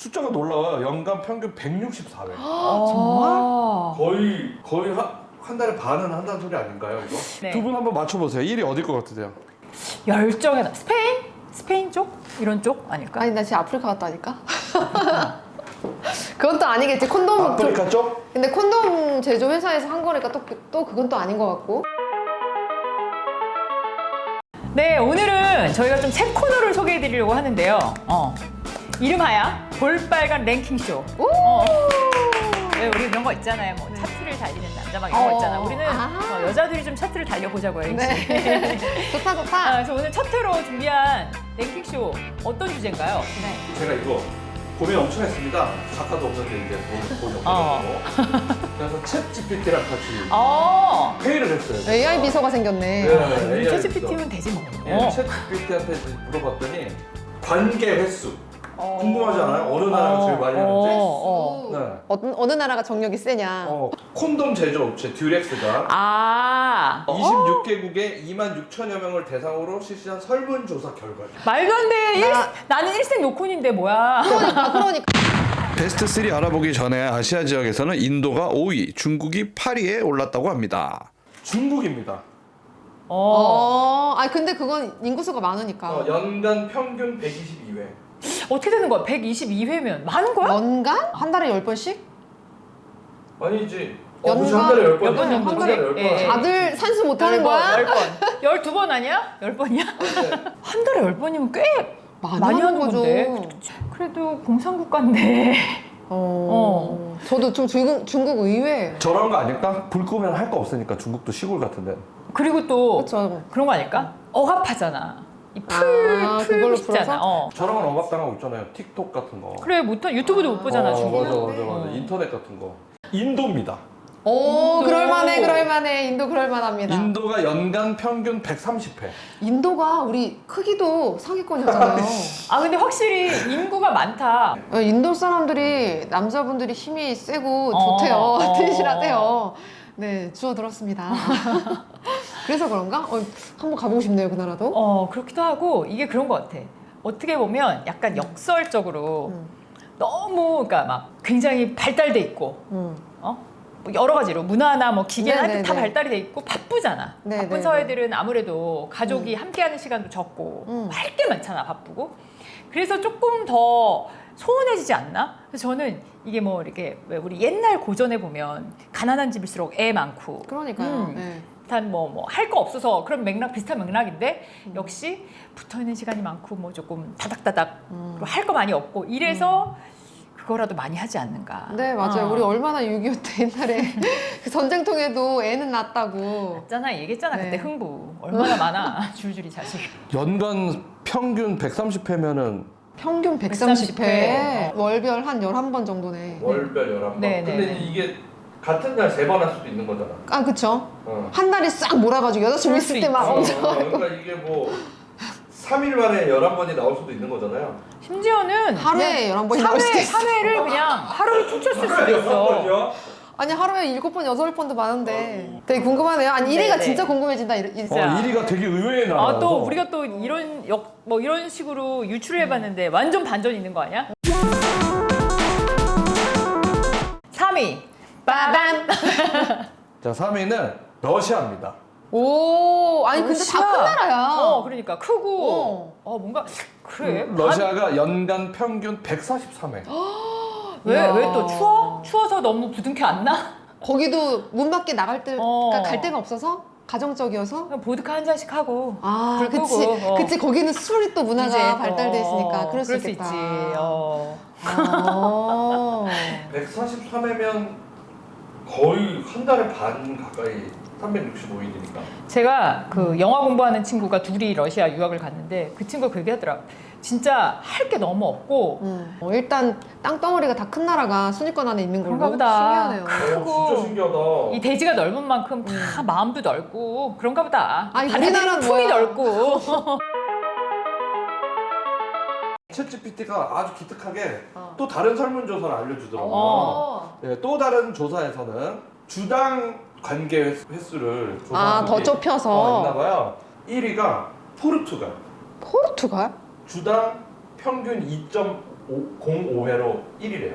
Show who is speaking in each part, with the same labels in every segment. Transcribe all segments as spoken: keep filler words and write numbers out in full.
Speaker 1: 숫자가 놀라워요. 연간 평균 백육십사 회.
Speaker 2: 정말?
Speaker 1: 거의 거의 한, 한 달에 반은 한다는 소리 아닌가요, 이거?
Speaker 2: 네.
Speaker 1: 두 분 한번 맞춰보세요. 일 위 어딜 것 같으세요?
Speaker 2: 열정의 나 스페인? 스페인 쪽? 이런 쪽 아닐까?
Speaker 3: 아니 나 지금 아프리카 갔다 하니까. 그건 또 아니겠지. 콘돔.
Speaker 1: 아프리카 쪽?
Speaker 3: 근데 콘돔 제조 회사에서 한 거니까 또, 또 그건 또 아닌 것 같고.
Speaker 2: 네, 오늘은 저희가 좀 새 코너를 소개해 드리려고 하는데요. 어. 이름하야 볼빨간 랭킹쇼. 어. 왜 우리 이런 거 있잖아요. 뭐 차트를 달리는 남자 막 이런 거
Speaker 3: 어.
Speaker 2: 있잖아. 우리는
Speaker 3: 아.
Speaker 2: 어, 여자들이 좀 차트를 달려보자고요. 네.
Speaker 3: 네. 좋다 좋다.
Speaker 2: 아, 그래서 오늘 첫 회로 준비한 랭킹쇼 어떤 주제인가요?
Speaker 3: 네.
Speaker 1: 제가 이거 고민 엄청 했습니다. 작가도 없는데 이제 돈 없고.
Speaker 2: 어.
Speaker 1: 그래서 챗 지피티랑 같이
Speaker 2: 어.
Speaker 1: 회의를 했어요.
Speaker 3: 에이아이 비서가 생겼네.
Speaker 1: 네,
Speaker 2: 챗 지피티면 되지 뭐.
Speaker 1: 예,
Speaker 2: 어.
Speaker 1: 챗 지피티한테 물어봤더니 관계 횟수
Speaker 2: 어.
Speaker 1: 궁금하지 않아요? 어느 나라가 제일 많이 하는지?
Speaker 2: 어. 어.
Speaker 1: 네.
Speaker 3: 어느, 어느 나라가 정력이 세냐.
Speaker 1: 어, 콘돔 제조업체 듀렉스가
Speaker 2: 아.
Speaker 1: 이십육 개국의 이만 육천여 명을 대상으로 실시한 설문조사 결과입니다.
Speaker 2: 말도 안 돼. 일,
Speaker 3: 나-
Speaker 2: 나는 일생 요콘인데 뭐야.
Speaker 3: 그러니까 그러니까.
Speaker 1: 베스트 쓰리 알아보기 전에 아시아 지역에서는 인도가 오 위, 중국이 팔 위에 올랐다고 합니다. 중국입니다.
Speaker 2: 어.
Speaker 3: 어. 아 근데 그건 인구수가 많으니까.
Speaker 1: 어, 연간 평균 백이십이 회.
Speaker 2: 어떻게 되는 거야? 백이십이 회면 많은 거야?
Speaker 3: 연간? 한 달에 열 번씩?
Speaker 1: 아니지. 어,
Speaker 3: 연간?
Speaker 1: 그치, 한 달에 열 번.
Speaker 2: 몇 번
Speaker 1: 한
Speaker 2: 정도지?
Speaker 1: 달에 열 번.
Speaker 2: 예, 예.
Speaker 3: 다들 산수 못하는 거야?
Speaker 2: 열 번. 열두 번 아니야? 열 번이야? 한 달에 열 번이면 꽤
Speaker 3: 많이,
Speaker 2: 많이 하는
Speaker 3: 거죠.
Speaker 2: 건데. 그래도 공산국가인데.
Speaker 3: 어. 저도 좀 중국, 중국 의외.
Speaker 1: 저런 거 아닐까? 불 끄면 할 거 없으니까 중국도 시골 같은데.
Speaker 2: 그리고 또
Speaker 3: 그렇죠.
Speaker 2: 그런 거 아닐까? 억압하잖아. 이 풀,
Speaker 3: 아,
Speaker 2: 풀
Speaker 3: 그걸로
Speaker 2: 있잖아.
Speaker 3: 풀어서?
Speaker 2: 어.
Speaker 1: 저런 건 억압당하고 있잖아요. 틱톡 같은 거.
Speaker 2: 그래, 못, 유튜브도 못 보잖아,
Speaker 1: 어,
Speaker 2: 중국.
Speaker 1: 맞아, 맞아, 맞아.
Speaker 2: 어.
Speaker 1: 인터넷 같은 거. 인도입니다.
Speaker 3: 오,
Speaker 2: 인도.
Speaker 3: 그럴만해, 그럴만해. 인도 그럴만합니다.
Speaker 1: 인도가 연간 평균 백삼십 회.
Speaker 3: 인도가 우리 크기도 상위권이었잖아요.
Speaker 2: 아, 근데 확실히 인구가 많다.
Speaker 3: 어, 인도 사람들이 남자분들이 힘이 세고
Speaker 2: 어,
Speaker 3: 좋대요.
Speaker 2: 어.
Speaker 3: 튼실하대요. 네, 주워 들었습니다. 그래서 그런가? 어, 한번 가보고 싶네요, 그 나라도.
Speaker 2: 어, 그렇기도 하고, 이게 그런 것 같아. 어떻게 보면 약간 역설적으로
Speaker 3: 음.
Speaker 2: 너무, 그러니까 막 굉장히 발달돼 있고,
Speaker 3: 음.
Speaker 2: 어? 뭐 여러 가지로 문화나 뭐 기계나
Speaker 3: 네네네.
Speaker 2: 다 발달이 돼 있고 바쁘잖아.
Speaker 3: 네네네.
Speaker 2: 바쁜 사회들은 아무래도 가족이 함께하는 시간도 적고
Speaker 3: 음.
Speaker 2: 할 게 많잖아, 바쁘고. 그래서 조금 더 소원해지지 않나? 그래서 저는 이게 뭐 이렇게 왜 우리 옛날 고전에 보면 가난한 집일수록 애 많고,
Speaker 3: 그러니까요.
Speaker 2: 음.
Speaker 3: 네.
Speaker 2: 일단 뭐 뭐 할 거 없어서 그런 맥락 비슷한 맥락인데
Speaker 3: 음.
Speaker 2: 역시 붙어 있는 시간이 많고 뭐 조금 다닥다닥
Speaker 3: 음.
Speaker 2: 할 거 많이 없고 이래서 그거라도 많이 하지 않는가.
Speaker 3: 네, 맞아요.
Speaker 2: 어.
Speaker 3: 우리 얼마나 육이오 때 옛날에 그 전쟁통에도 애는 낳았다고.
Speaker 2: 있잖아, 얘기했잖아.
Speaker 3: 네.
Speaker 2: 그때 흥부 얼마나 많아. 줄줄이 자식.
Speaker 1: 연간 평균 백삼십 회면은
Speaker 3: 평균 백삼십 회.
Speaker 2: 회.
Speaker 3: 월별 한 열한 번 정도네.
Speaker 1: 월별 열한 번.
Speaker 2: 네, 네,
Speaker 1: 근데
Speaker 2: 네.
Speaker 1: 이게 같은 날 세 번 할 수도 있는 거잖아.
Speaker 3: 아, 그쵸.
Speaker 1: 어.
Speaker 3: 한 달에 싹 몰아가지고 여자친구
Speaker 2: 그럴 수
Speaker 3: 있을 때 막
Speaker 2: 있지.
Speaker 3: 엄청.
Speaker 1: 어, 그러니까 이게 뭐 삼 일 만에 열한 번이 나올 수도 있는 거잖아요.
Speaker 2: 심지어는
Speaker 3: 하루에 열한 번이 나올 수도 있어.
Speaker 2: 삼 회를 그냥 하루를 퉁쳤을 수도
Speaker 1: 열한
Speaker 2: 있어.
Speaker 1: 번이요?
Speaker 3: 아니, 하루에 일곱 번, 여덟 번도 많은데. 되게 궁금하네요. 아니, 일 위가
Speaker 2: 네네.
Speaker 3: 진짜 궁금해진다. 이- 이-
Speaker 2: 진짜.
Speaker 1: 어, 일 위가 되게 의외의 나라.
Speaker 2: 아, 또 우리가 또 이런 역 뭐 이런 식으로 유출을 해봤는데 완전 반전 있는 거 아니야? 삼 위 빠밤.
Speaker 1: 자, 삼 위는 러시아입니다.
Speaker 3: 오, 아니, 근데 다 큰 나라야.
Speaker 2: 어, 그러니까 크고
Speaker 3: 어.
Speaker 2: 어, 뭔가 그래.
Speaker 1: 러시아가 연간 평균 백사십삼 회.
Speaker 2: 왜 왜
Speaker 3: 이야.
Speaker 2: 또 추워? 추워서 너무 부둥켜 안 나?
Speaker 3: 거기도 문 밖에 나갈 때,
Speaker 2: 어.
Speaker 3: 그러니까 갈 데가 없어서? 가정적이어서?
Speaker 2: 그냥 보드카 한 잔씩 하고.
Speaker 3: 아,
Speaker 2: 불 끄고,
Speaker 3: 그치.
Speaker 2: 어.
Speaker 3: 그치. 거기는 술이 또 문화가
Speaker 2: 이제 또,
Speaker 3: 발달돼 있으니까.
Speaker 2: 어,
Speaker 3: 그럴 수 있겠다.
Speaker 2: 있지. 어.
Speaker 3: 아.
Speaker 1: 백사십삼 회면 거의 한 달에 반 가까이 삼백육십오 일이니까.
Speaker 2: 제가 그 영화 공부하는 친구가 둘이 러시아 유학을 갔는데 그 친구가 그 얘기하더라. 진짜 할 게 너무 없고
Speaker 3: 음. 어, 일단 땅덩어리가 다 큰 나라가 순위권 안에 있는 걸로
Speaker 2: 그런가 보다.
Speaker 3: 신기하네요.
Speaker 2: 크고
Speaker 1: 어, 진짜 신기하다.
Speaker 2: 이 대지가 넓은 만큼 다 마음도 넓고 그런가 보다.
Speaker 3: 아니,
Speaker 2: 바다들이
Speaker 3: 우리나라는
Speaker 2: 품이
Speaker 3: 뭐야.
Speaker 2: 넓고.
Speaker 1: 챗지피티가 아주 기특하게
Speaker 3: 어.
Speaker 1: 또 다른 설문조사를 알려주더라고요.
Speaker 2: 어.
Speaker 1: 네, 또 다른 조사에서는 주당 관계 횟- 횟수를
Speaker 3: 아,
Speaker 1: 조사한
Speaker 3: 더
Speaker 1: 적이
Speaker 3: 좁혀서.
Speaker 1: 어, 있나봐요. 일 위가 포르투갈.
Speaker 3: 포르투갈?
Speaker 1: 주당 평균 이 점 공오 회로 일 위래요.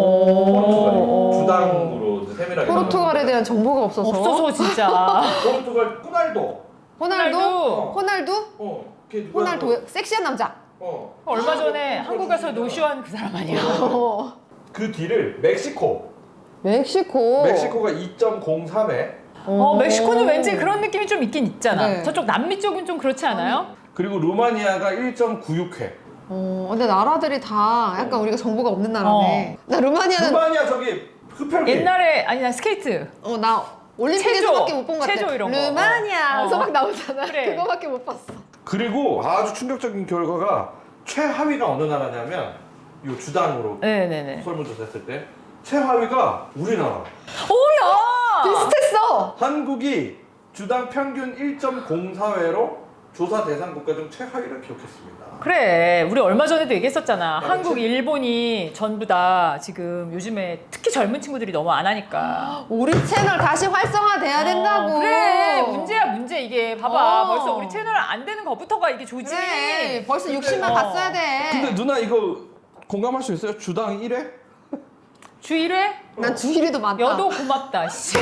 Speaker 2: 오.
Speaker 1: 포르투갈이 주당으로 이제 세밀하게
Speaker 3: 포르투갈에 대한 정보가 없어서.
Speaker 2: 없어서 진짜.
Speaker 1: 포르투갈 호날두.
Speaker 3: 호날두?
Speaker 2: 호날두.
Speaker 3: 호날두?
Speaker 1: 어, 걔 누구야?
Speaker 3: 호날두 섹시한 남자.
Speaker 1: 어.
Speaker 2: 얼마 전에 한국 가서 노쇼한 그 사람 아니야?
Speaker 3: 어.
Speaker 1: 그 뒤를 멕시코.
Speaker 3: 멕시코.
Speaker 1: 멕시코가 이 점 공삼 회.
Speaker 2: 어, 멕시코는 왠지 그런 느낌이 좀 있긴 있잖아.
Speaker 3: 네.
Speaker 2: 저쪽 남미 쪽은 좀 그렇지 않아요?
Speaker 1: 그리고 루마니아가 일 점 구육 회.
Speaker 3: 어, 근데 나라들이 다 약간 우리가 정보가 없는 나라네. 나 루마니아는
Speaker 1: 루마니아 저기 흡혈기.
Speaker 2: 옛날에 아니 나 스케이트.
Speaker 3: 어, 나 올림픽에서밖에 못 본 것 같아.
Speaker 2: 체조 이런 거.
Speaker 3: 루마니아
Speaker 2: 어.
Speaker 3: 서막 나오잖아.
Speaker 2: 그래.
Speaker 3: 그거밖에 못 봤어.
Speaker 1: 그리고 아주 충격적인 결과가 최하위가 어느 나라냐면 이 주당으로
Speaker 2: 네네네.
Speaker 1: 설문조사 했을 때 최하위가 우리나라.
Speaker 2: 오야.
Speaker 3: 비슷했어.
Speaker 1: 한국이 주당 평균 일 점 공사 회로 조사 대상 국가 중 최하위를 기록했습니다.
Speaker 2: 그래 우리 얼마 전에도 얘기했었잖아.
Speaker 1: 아,
Speaker 2: 한국,
Speaker 1: 그치?
Speaker 2: 일본이 전부 다 지금 요즘에 특히 젊은 친구들이 너무 안 하니까.
Speaker 3: 우리 채널 다시 활성화돼야 된다고.
Speaker 2: 어, 그래 문제야 문제 이게 봐봐
Speaker 3: 어.
Speaker 2: 벌써 우리 채널 안 되는 것부터가 이게 조짐이.
Speaker 3: 그래. 벌써 육십만
Speaker 2: 어.
Speaker 3: 갔어야 돼.
Speaker 1: 근데 누나 이거 공감할 수 있어요? 주당 일 회?
Speaker 2: 주 일 회
Speaker 3: 난 주일이도 많다.
Speaker 2: 여도 고맙다 씨.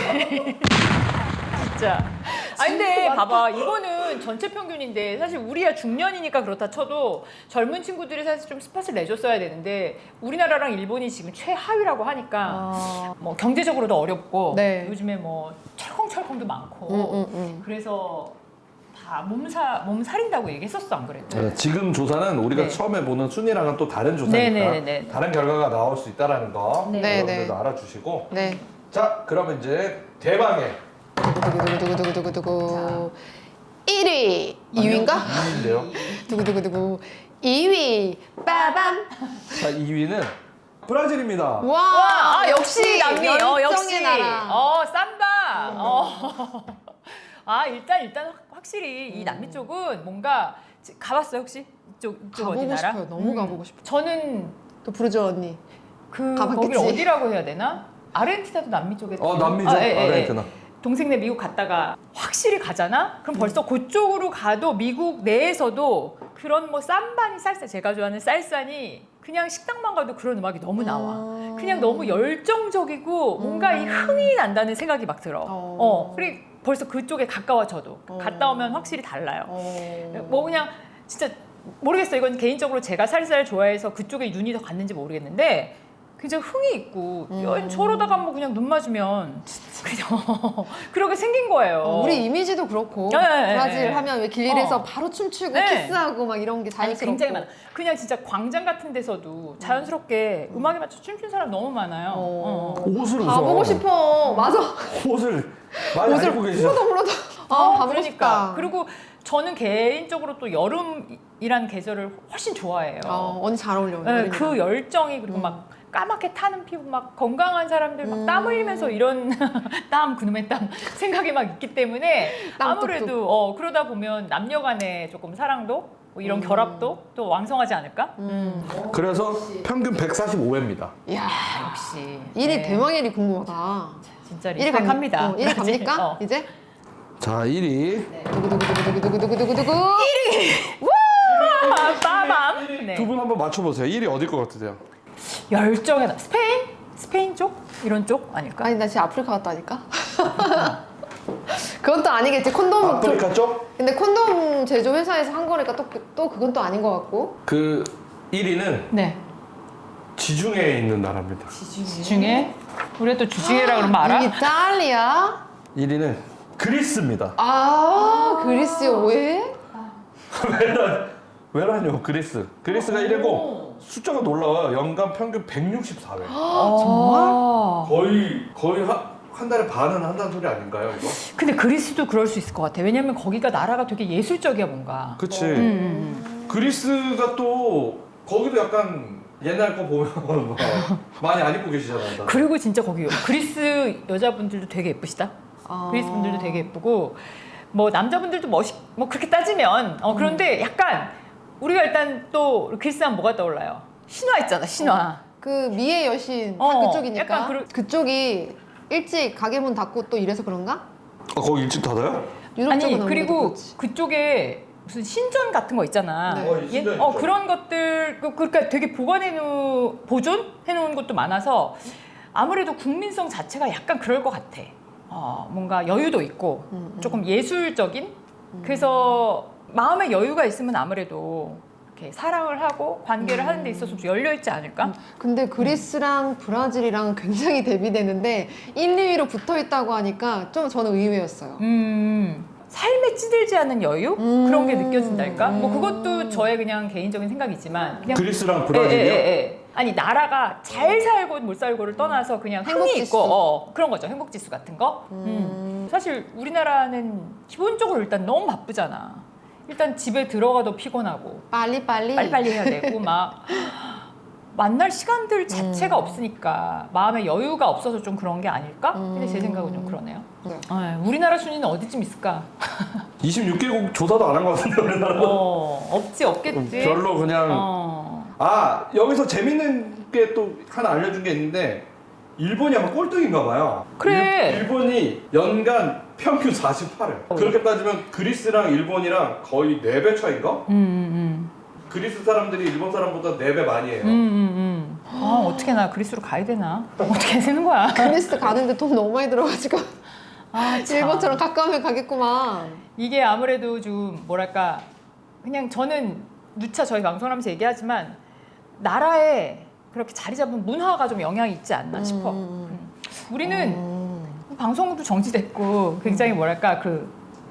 Speaker 2: 진짜. 아 근데 봐봐 이거는 전체 평균인데 사실 우리야 중년이니까 그렇다 쳐도 젊은 친구들이 사실 좀 스팟을 내줬어야 되는데 우리나라랑 일본이 지금 최하위라고 하니까
Speaker 3: 어.
Speaker 2: 뭐 경제적으로도 어렵고
Speaker 3: 네.
Speaker 2: 요즘에 뭐 철컹철컹도 많고
Speaker 3: 응, 응, 응.
Speaker 2: 그래서 다 몸사 몸 살인다고 얘기했었어 안 그래도?
Speaker 1: 네, 지금 조사는 우리가
Speaker 2: 네.
Speaker 1: 처음에 보는 순위랑은 또 다른 조사니까
Speaker 2: 네네네.
Speaker 1: 다른 결과가 나올 수 있다는 거
Speaker 2: 네.
Speaker 1: 여러분들도
Speaker 3: 네네.
Speaker 1: 알아주시고
Speaker 3: 네.
Speaker 1: 자 그러면 이제 대망의
Speaker 3: 두구두구두구두구두구두구. 일 위. 이 위인가?
Speaker 1: 이 위인데요.
Speaker 3: 두구두구두구. 이 위. 빠밤.
Speaker 1: 자 이 위는 브라질입니다.
Speaker 3: 와,
Speaker 2: 와, 아, 역시 남미, 어, 역시,
Speaker 3: 열정의 나라.
Speaker 2: 어, 삼바, 어. 아, 일단, 일단 확- 확실히 이 남미 쪽은 뭔가, 지- 가봤어요, 혹시? 이쪽, 이쪽 어디
Speaker 3: 가보고
Speaker 2: 나라?
Speaker 3: 싶어요. 너무
Speaker 2: 음.
Speaker 3: 가보고 싶어.
Speaker 2: 저는
Speaker 3: 또 부르죠 언니.
Speaker 2: 그,
Speaker 3: 가봤겠지.
Speaker 2: 거길 어디라고 해야 되나? 아르헨티나도 남미 쪽에.
Speaker 1: 어 남미죠.
Speaker 2: 아, 예, 예, 예.
Speaker 1: 아르헨티나.
Speaker 2: 동생네 미국 갔다가 확실히 가잖아? 그럼 벌써 그쪽으로 가도 미국 내에서도 그런 뭐 쌈바니 살사, 제가 좋아하는 쌀산이 그냥 식당만 가도 그런 음악이 너무 나와.
Speaker 3: 음.
Speaker 2: 그냥 너무 열정적이고 뭔가 이 흥이 난다는 생각이 막 들어.
Speaker 3: 어.
Speaker 2: 어. 그리고 벌써 그쪽에 가까워져도
Speaker 3: 어.
Speaker 2: 갔다 오면 확실히 달라요.
Speaker 3: 어.
Speaker 2: 뭐 그냥 진짜 모르겠어요. 이건 개인적으로 제가 쌀쌀 좋아해서 그쪽에 눈이 더 갔는지 모르겠는데 굉장히 흥이 있고
Speaker 3: 음.
Speaker 2: 저러다가 뭐 그냥 눈 맞으면 그냥 그렇게 생긴 거예요.
Speaker 3: 어, 우리 이미지도 그렇고
Speaker 2: 네, 네,
Speaker 3: 브라질
Speaker 2: 네.
Speaker 3: 하면 왜 길에서
Speaker 2: 어.
Speaker 3: 바로 춤추고
Speaker 2: 네.
Speaker 3: 키스하고 막 이런 게
Speaker 2: 아니
Speaker 3: 자연스럽고.
Speaker 2: 굉장히 많아. 그냥 진짜 광장 같은 데서도 자연스럽게 음. 악에 맞춰 춤추는 사람 너무 많아요.
Speaker 3: 어.
Speaker 2: 어.
Speaker 1: 옷을
Speaker 3: 가보고
Speaker 1: 우선
Speaker 3: 싶어. 맞아.
Speaker 1: 옷을 많이 안 입고 계시죠.
Speaker 3: 풀어도 풀어도. 아,
Speaker 2: 어,
Speaker 3: 가보고
Speaker 2: 그러니까.
Speaker 3: 싶다.
Speaker 2: 그리고 저는 개인적으로 또 여름이란 계절을 훨씬 좋아해요.
Speaker 3: 어, 언니 잘 어울려.
Speaker 2: 네,
Speaker 3: 여름이랑.
Speaker 2: 그 열정이 그리고
Speaker 3: 음.
Speaker 2: 막 까맣게 타는 피부 막 건강한 사람들 막 땀
Speaker 3: 음.
Speaker 2: 흘리면서 이런 땀 그놈의 땀 생각이 막 있기 때문에
Speaker 3: 땀
Speaker 2: 아무래도
Speaker 3: 뚝뚝.
Speaker 2: 어, 그러다 보면 남녀 간의 조금 사랑도 뭐 이런
Speaker 3: 음.
Speaker 2: 결합도 또 왕성하지 않을까?
Speaker 3: 음.
Speaker 1: 그래서 평균 백사십오 회입니다.
Speaker 3: 이야.
Speaker 2: 역시
Speaker 3: 일 위
Speaker 2: 네.
Speaker 3: 대망일이 궁금하다.
Speaker 2: 진짜
Speaker 3: 일 위 갑-
Speaker 2: 리스펙합니다.
Speaker 3: 어, 일 위 갑니까?
Speaker 2: 어.
Speaker 3: 이제?
Speaker 1: 자 일 위.
Speaker 3: 두구두구두구두구두구두구두구.
Speaker 2: 아, 빠밤. 네.
Speaker 1: 두 분 한번 맞춰보세요. 일 위 어딜 것 같으세요?
Speaker 2: 열정의 나 스페인? 스페인 쪽? 이런 쪽 아닐까?
Speaker 3: 아니 나 지금 아프리카 갔다니까. 그건 또 아니겠지. 콘돔.
Speaker 1: 아프리카 쪽?
Speaker 3: 근데 콘돔 제조 회사에서 한 거니까 또, 그- 또 그건 또 아닌 것 같고.
Speaker 1: 그 일 위는
Speaker 2: 네.
Speaker 1: 지중해에 있는 나라입니다.
Speaker 2: 주중에 우리가 또 주중에라 그러면 알아?
Speaker 3: 이탈리아?
Speaker 1: 일 위는 그리스입니다.
Speaker 3: 아 그리스요. 왜?
Speaker 1: 왜라뇨? 그리스. 그리스가 일 위고 숫자가 놀라워요. 연간 평균 백육십사 회.
Speaker 2: 정말?
Speaker 1: 거의 거의 한, 한 달에 반은 한다는 소리 아닌가요, 이거?
Speaker 2: 근데 그리스도 그럴 수 있을 것 같아. 왜냐면 거기가 나라가 되게 예술적이야 뭔가.
Speaker 1: 그치.
Speaker 2: 음, 음.
Speaker 1: 그리스가 또 거기도 약간 옛날 거 보면 막 많이 안 입고 계시잖아요.
Speaker 2: 그리고 진짜 거기 그리스 여자분들도 되게 예쁘시다.
Speaker 3: 아.
Speaker 2: 그리스 분들도 되게 예쁘고 뭐 남자분들도 멋있 뭐 그렇게 따지면 어 그런데 약간 우리가 일단 또 그리스 하면 뭐가 떠올라요? 신화 있잖아 신화.
Speaker 3: 그 미의 여신 다
Speaker 2: 어,
Speaker 3: 그쪽이니까.
Speaker 2: 약간 그러-
Speaker 3: 그쪽이 일찍 가게 문 닫고 또 이래서 그런가?
Speaker 1: 아, 거기 일찍 닫아요?
Speaker 3: 유럽 쪽은
Speaker 2: 아니
Speaker 3: 아무래도
Speaker 2: 그리고
Speaker 3: 그렇지.
Speaker 2: 그쪽에 무슨 신전 같은 거 있잖아.
Speaker 3: 네.
Speaker 1: 어, 이 신전
Speaker 2: 옛- 어,
Speaker 1: 있죠.
Speaker 2: 그런 것들 그- 그러니까 되게 보관해 놓 보존해 놓은 것도 많아서 아무래도 국민성 자체가 약간 그럴 것 같아. 어, 뭔가 여유도 있고
Speaker 3: 음, 음.
Speaker 2: 조금 예술적인. 그래서 마음의 여유가 있으면 아무래도 이렇게 사랑을 하고 관계를
Speaker 3: 음.
Speaker 2: 하는 데 있어서 좀 열려 있지 않을까?
Speaker 3: 근데 그리스랑 브라질이랑 굉장히 대비되는데 일, 이 위로 붙어 있다고 하니까 좀 저는 의외였어요.
Speaker 2: 음, 삶에 찌들지 않는 여유?
Speaker 3: 음.
Speaker 2: 그런 게 느껴진달까? 뭐
Speaker 3: 음.
Speaker 2: 그것도 저의 그냥 개인적인 생각이지만 그냥
Speaker 1: 그리스랑
Speaker 2: 예, 예, 예, 예. 아니 나라가 잘 살고 못 살고를 떠나서 그냥 흥이
Speaker 3: 행복지수.
Speaker 2: 있고 어, 그런 거죠. 행복지수 같은 거.
Speaker 3: 음.
Speaker 2: 음. 사실 우리나라는 기본적으로 일단 너무 바쁘잖아. 일단 집에 들어가도 피곤하고
Speaker 3: 빨리빨리.
Speaker 2: 빨리빨리 해야 되고 막 만날 시간들 자체가
Speaker 3: 음.
Speaker 2: 없으니까 마음의 여유가 없어서 좀 그런 게 아닐까? 근데 제
Speaker 3: 음.
Speaker 2: 생각은 좀 그러네요.
Speaker 3: 네.
Speaker 2: 어, 우리나라 순위는 어디쯤 있을까?
Speaker 1: 이십육 개국 조사도 안 한 것 같은데 우리나라.
Speaker 2: 어, 없지 없겠지.
Speaker 1: 별로 그냥
Speaker 2: 어.
Speaker 1: 아 여기서 재밌는 게 또 하나 알려준 게 있는데 일본이 아마 꼴등인가 봐요.
Speaker 2: 그래.
Speaker 1: 일, 일본이 연간 평균 사십팔 회.
Speaker 2: 어.
Speaker 1: 그렇게 따지면 그리스랑 일본이랑 거의 네 배 차인가?
Speaker 2: 음, 음,
Speaker 1: 그리스 사람들이 일본 사람보다 네 배 많이 해요.
Speaker 2: 음, 음, 음. 아 어떻게 나 그리스로 가야 되나? 어떻게 되는 거야?
Speaker 3: 그리스 가는데 돈 너무 많이 들어가지고
Speaker 2: 아, 참.
Speaker 3: 일본처럼 가까우면 가겠구만.
Speaker 2: 이게 아무래도 좀 뭐랄까 그냥 저는 누차 저희 방송하면서 얘기하지만 나라에 그렇게 자리 잡은 문화가 좀 영향이 있지 않나 싶어.
Speaker 3: 음.
Speaker 2: 음. 우리는
Speaker 3: 음.
Speaker 2: 방송도 정지됐고 굉장히 뭐랄까 그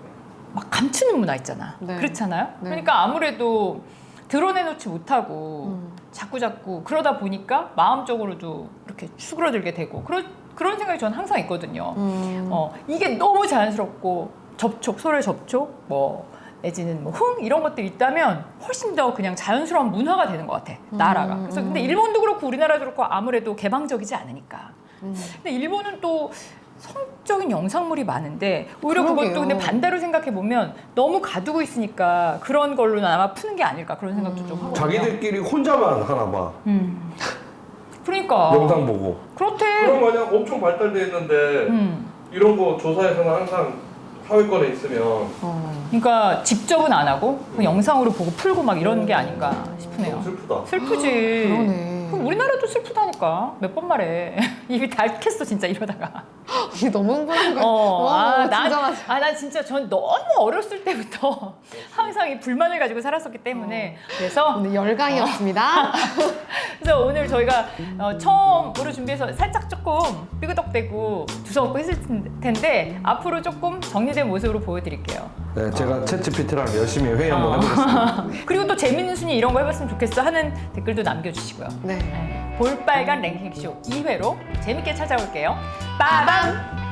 Speaker 2: 막 감추는 문화 있잖아.
Speaker 3: 네.
Speaker 2: 그렇잖아요.
Speaker 3: 네.
Speaker 2: 그러니까 아무래도 드러내놓지 못하고
Speaker 3: 음.
Speaker 2: 자꾸 자꾸 그러다 보니까 마음적으로도 이렇게 수그러들게 되고 그런 그런 생각이 저는 항상 있거든요.
Speaker 3: 음.
Speaker 2: 어 이게 너무 자연스럽고 접촉 서로의 접촉 뭐 내지는 뭐 흥 이런 것들이 있다면 훨씬 더 그냥 자연스러운 문화가 되는 것 같아 나라가. 그래서 근데 일본도 그렇고 우리나라도 그렇고 아무래도 개방적이지 않으니까.
Speaker 3: 음.
Speaker 2: 근데 일본은 또 성적인 영상물이 많은데 오히려
Speaker 3: 그러게요.
Speaker 2: 그것도 근데 반대로 생각해 보면 너무 가두고 있으니까 그런 걸로는 아마 푸는 게 아닐까 그런 생각도 좀 하고.
Speaker 1: 자기들끼리 혼자만 하나 봐.
Speaker 2: 음. 그러니까.
Speaker 1: 영상 보고.
Speaker 2: 그렇대.
Speaker 1: 그런 마냥 엄청 발달돼 있는데
Speaker 2: 음.
Speaker 1: 이런 거 조사에서는 항상 하위권에 있으면
Speaker 3: 어.
Speaker 2: 그러니까 직접은 안 하고 그 영상으로 보고 풀고 막 이런 게 아닌가 싶네요.
Speaker 1: 너무 슬프다.
Speaker 2: 슬프지.
Speaker 3: 그러네.
Speaker 2: 그럼 우리나라도 슬프다니까. 몇 번 말해. 입이 닳겠어 진짜 이러다가.
Speaker 3: 언니 너무 흥분한 거야.
Speaker 2: 어,
Speaker 3: 와,
Speaker 2: 아,
Speaker 3: 진짜
Speaker 2: 난,
Speaker 3: 맞아.
Speaker 2: 아, 난 진짜 전 너무 어렸을 때부터 항상 이 불만을 가지고 살았었기 때문에 그래서
Speaker 3: 오늘 열강이었습니다.
Speaker 2: 그래서 오늘 저희가 어, 처음으로 준비해서 살짝 조금 삐그덕대고 두서없고 했을 텐데 앞으로 조금 정리된 모습으로 보여드릴게요.
Speaker 1: 네, 제가 챗지피티랑 열심히 회의
Speaker 2: 어.
Speaker 1: 한번 해보겠습니다.
Speaker 2: 그리고 또 재밌는 순위 이런 거 해봤으면 좋겠어 하는 댓글도 남겨주시고요.
Speaker 3: 네.
Speaker 2: 네. 볼빨간 랭킹쇼 이 회로 재밌게 찾아올게요. 빠밤!